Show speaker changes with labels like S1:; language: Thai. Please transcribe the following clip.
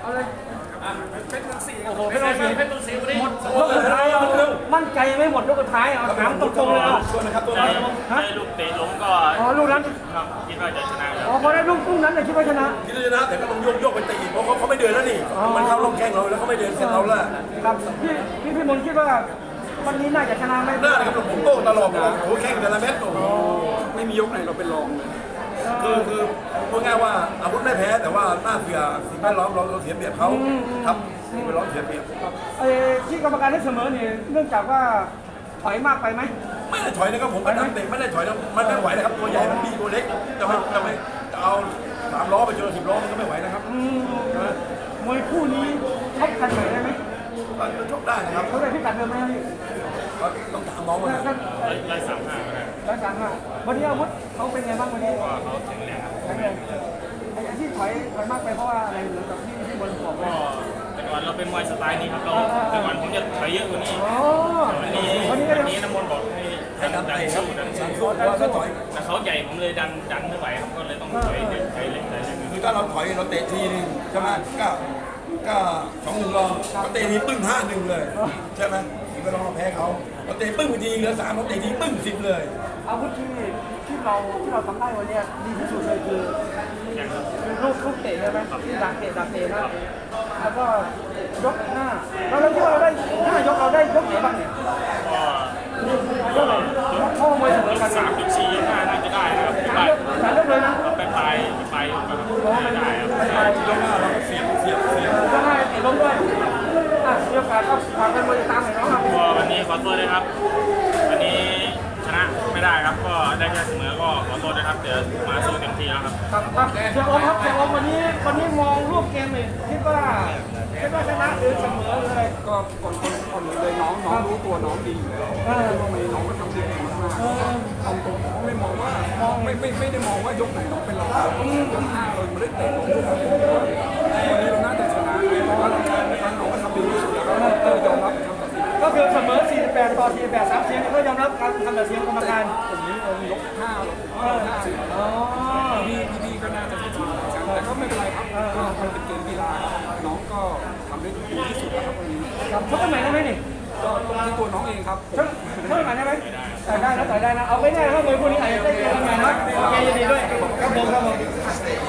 S1: เอาเลย
S2: เป็นเมืองศรี
S1: โอ้โหเป็นเราเสีย
S2: เป็นเมืองศรีวันนี้
S1: หมดยกสุดท้ายเอามั่นใจไม่หมดยกสุดท้ายเอาถามตรงๆเลยเอา
S2: ชวนนะครับตัว
S3: ได้
S2: นี้
S3: ได้ลูกเตะล้มก็
S1: อ๋อลูกนั้น
S3: ครับคิดว่าจะชนะค
S1: อ๋
S3: รั
S1: อบ พอได้ลูกนั้นเลยคิดว่าชนะ
S2: ที่จะชนะแต่ก็ต้องโยกไปตีเพราะเขาไม่เดินแล้วนี่มันเข้าล่องแข้งเราแล้วเขาไม่เดินเส้นเราแล้ว
S1: ครับพี่มนต์คิดว่าวันนี้น่าจะชนะไหม
S2: หน้าเลยครับผมโต้ตลอดโอ้โหแข้งแต่ละเม็ดโอ้โห
S4: ไม่มียกไหนเราเป็นรองเลย
S2: คือพูดง่ายว่าอาวุธไม่แพ้แต่ว่าหน้าเสียสิ่งแวดล้อมเราเสียเปรียบเขาครับสิ่งแวดล้อมเสียเปรียบ
S1: ที่กรรมการให้เสมอเนี่ยเนื่องจากว่าถอยมากไปไหม
S2: ไม่ได้ถอยนะครับผมก็ทำเตะไม่ได้ถอยนะมันไม่ไหวนะครับตัวใหญ่มันดีตัวเล็กจะเอา3 ล้อไปเจอ10 ล้อมันก็ไม่ไหวนะครับ
S1: มวยคู่นี้ชกกันไหนได้ไหม
S2: ก็ชกได้นะครับ
S1: เขาได้พิกัดเดิมไหมพี่
S2: ก็ต้องถามน้องว่า
S3: 135ก็ได้
S1: 135วันนี้อาวุธเขาเป็นไงบ้างวันนี้
S3: ก็เขาแข็งแรงครับ
S1: แข็งแรงที่ถอยมากไปเพราะว่าอะไรเหมือนกับที่บนบอก
S3: ก็
S1: ว่า
S3: แต่ก่อนเราเป็นมวยสไตล์นี้ครับเราแต่ก่อนผมจะถอยเยอะกว่านี้
S1: อ๋อ
S3: วันนี้
S1: วันนี้ก็
S3: วัน
S1: ยัง
S3: นี้น้ำมนต์บอกให้ดันสู้ดันสู้
S2: สู้ว่าถ้าถอย
S3: แต่เขาใหญ่ผมเลยดันไม่ไหวครับก็เลยต้องถอยเด็กถอยเล็กถอยเล็ก
S2: คือถ้าเราถอยเราเตะทีนึงใช่ไหมก็2-1 รองเขาเตะทีปึ้ง5-1เลยใช่ไหมถึงก็ต้องเราแพ้เขาเราเตะปึ้งไปทีเหลือ3เราเตะทีปึ้ง10เลย
S1: อาวุธที่เราทำได้วันนี้ดีที่สุดเลยคือ
S3: แข็งครับ
S1: ลูกเตะใช่ไหมดักเตะนะแล้วก็ยกหน้าเราคิดว่าเราได้5 ยกเราได้ยกไหนบ้างเนี่ย
S3: ก็
S1: ยกไหนพ่อมวยเสมอกัน
S3: 3-4ยกหน้าน่าจะได้นะครับ
S1: สามยกเลยนะ
S3: ไปปลายยกครับไม่ได้ครับ
S2: ยกหน้าเราก็เสียบ
S1: ยกให้เตะล้มด้วยมีโอกาสก็ฝากเป็นมวยตามหน่อยน้องครับ
S3: ก็วันนี้ขอโทษด้วยครับ วันนี้ชนะไม่ได้ครับ ก็ได้แค่เสมอก็ขอโทษนะครับ เดี๋ยวมาสู้เต็มที่แล้วครับ
S1: ครับเสียโอมครับเสียโอมวันนี้มองรูปเกมเลยคิดว่าชนะหรือเสมอเลย
S4: ก็คนเลยน้องรู้ตัวน้องดีอยู่แล้วทำไมน้องก็ทำได้ดีมากๆตรงๆไม่มองว่าไม่ได้มองว่ายกไหนน้องเป็นรองยก5เราไม่ได้เตะลงวันนี้เราน่าจะชนะเพราะว่าน้องก็ทำดีที่สุดแล้วก็ยอมรับคำตัดสิน
S1: ก็คือเสมอ48 ต่อ 48 3 เสียงก็ยอมรับการทำตัดสินกรรมการ
S4: ผมนี้ยก5เรา50
S1: อ๋อ
S4: พี่ก็น่าจะทำดีเหมือนกันแต่ก็ไม่เป็นไรครับก็มันเป็นเกมกีฬาน้องก็ทำได้ดีที่สุดแล้วครับวันนี้
S1: ครับชกกันใหม่ได้ไหมนี่
S4: ก็ตรงที่ตัวน้องเองครับ
S1: ชกกันใหม่ได้ไหมต่อยได้นะเอาไม่ได้ถ้ามวยคู่นี้อาจจะได้เจอกันใหม่นะโอเคยินดีด้วยครับผม